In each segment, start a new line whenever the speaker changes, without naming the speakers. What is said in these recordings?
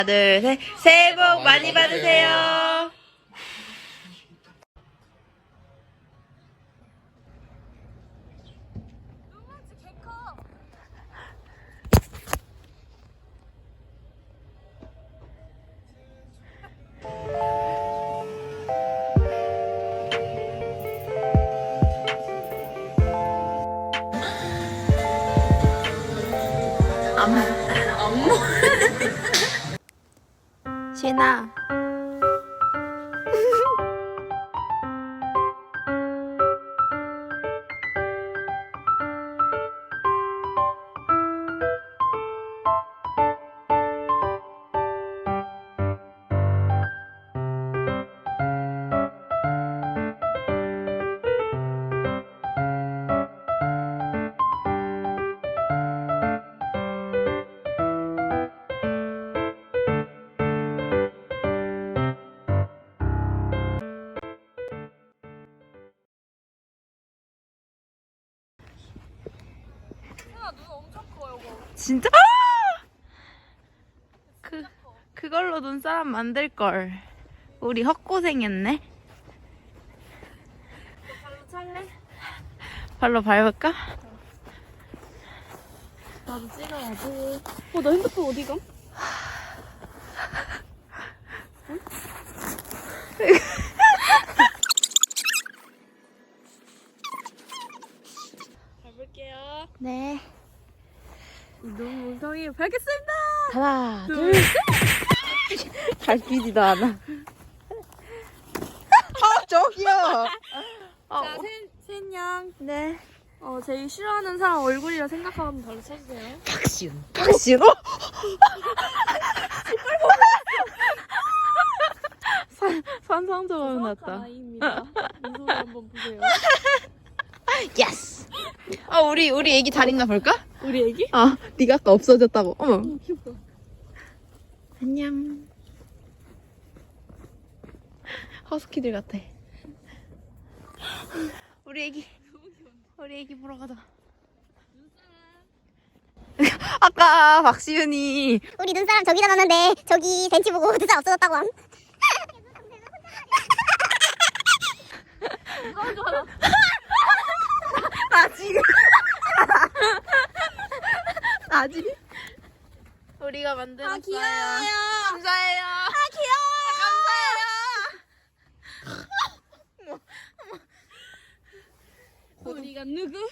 둘, 셋. 새해 복 많이 받으세요. 신아.
눈 엄청 커, 요거.
진짜? 그걸로 눈사람 만들걸. 우리 헛고생했네.
발로 찰래?
발로 밟을까?
나도 찍어야지. 나 핸드폰 어디 감? 가볼게요.
네.
너무 웅성이 밟겠습니다.
하나, 둘, 셋. 밟히지도 않아. 저기요.
자, 셋양.
네.
제일 싫어하는 사람 얼굴이라 생각하면 바로 쳐주세요.
박시훈. 박시훈? 산상조각 났다.
아이입니다. 미소를 한번 보세요.
예스. 우리 애기 잘 있나 볼까?
우리 애기?
네가 아까 없어졌다고. 어머.
귀엽다.
안녕. 허스키들 같아. 우리 애기 보러 가자. 아까 박시윤이
우리 눈사람 저기다 놨는데 저기 벤치 보고 눈사람 없어졌다고 함.
나지? 우리가 만들었어요.
귀여워요.
감사해요.
우리가 누구?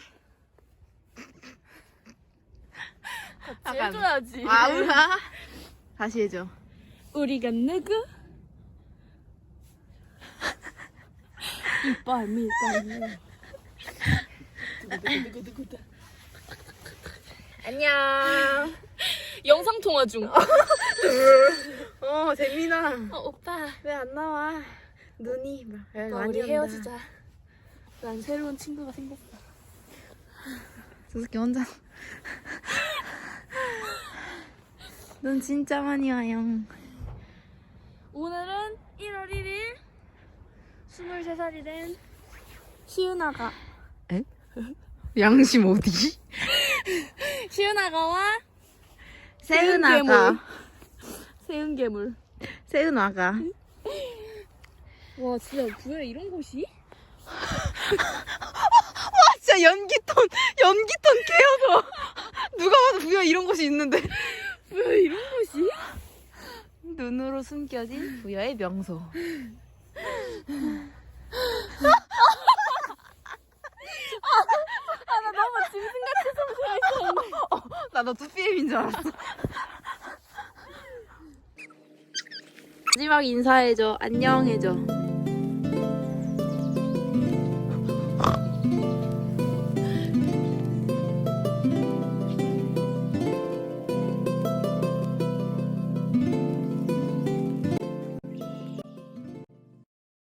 같이
약간-
해줘야지.
아우라. 다시 해줘.
우리가 누구? 이빨 밀당.
안녕.
영상 통화 중.
재민아.
오빠.
왜 안 나와? 눈이
우리 헤어지자. 난 새로운 친구가 생겼어.
수수께 혼자. 눈 진짜 많이 와요.
오늘은 1월 1일 23살이 된 시은아가
양심 어디?
시은아가와
세은아가.
세은괴물.
세은아가.
와 진짜 부에 이런 곳이?
진짜 연기톤 개어서. 누가 봐도 부여 이런 곳이 있는데.
왜 이런 곳이?
눈으로 숨겨진 부여의 명소.
나 너무 짐승같이 성공했었는데.
나너 2PM인 줄 알았어. 마지막 인사해줘. 안녕 해줘.